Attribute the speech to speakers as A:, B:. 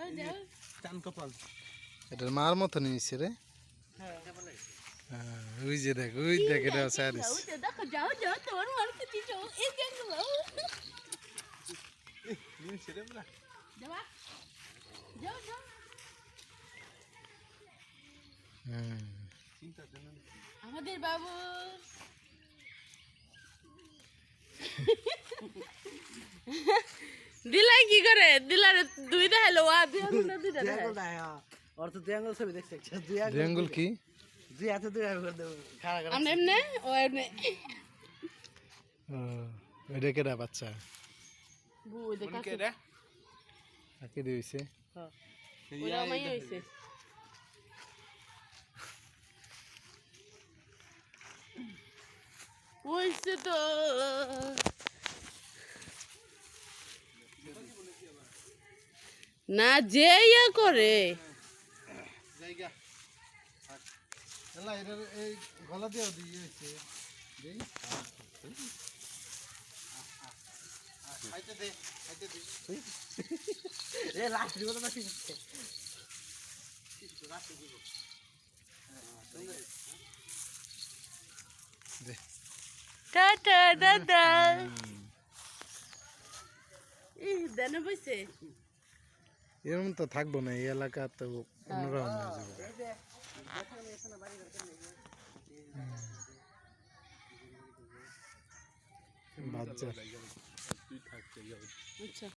A: চান কপাল
B: এটার মার মতো নিয়েছে রে ওই যে দেখ ওই দেখ এটা সারিস
C: দেখো যাও যাও তোমার মারতে দিছো এই দেখলো
A: ছেড়ে বলা
C: যাবা যাও যাও
A: চিন্তা জানেন
C: আমাদের বাবু দিলাই কি করে দিলার দুই দেখালো আ দুই আঙুল দুইটা দেখায়
D: और तो दुई आंगुल छवि देख सकते दुई
B: রেঙ্গুল কি
D: दुई हाथ दुई आंगुल कर दो खड़ा कर
C: আমরা এমনে ও এমনে
B: এটা কেডা বাচ্চা
C: বুই দেখা
A: কে রে
B: আকে দিয়েছে
C: ওরা মাই হইছে হইছে তো না যে ইয়া করে
A: জায়গা
B: এলা এটা এই গলা দিয়ে দিয়েছে দেই
A: খাইতে দে
D: ए लास्ट दिगो त माथि
B: দে
C: টাটা দাদা ই দেনা বইছে
B: এরকম তো থাকবো না এই এলাকা তো অন্যরকম হয়ে যাবে বাচ্চা
A: তুই থাকতে যাবে
C: আচ্ছা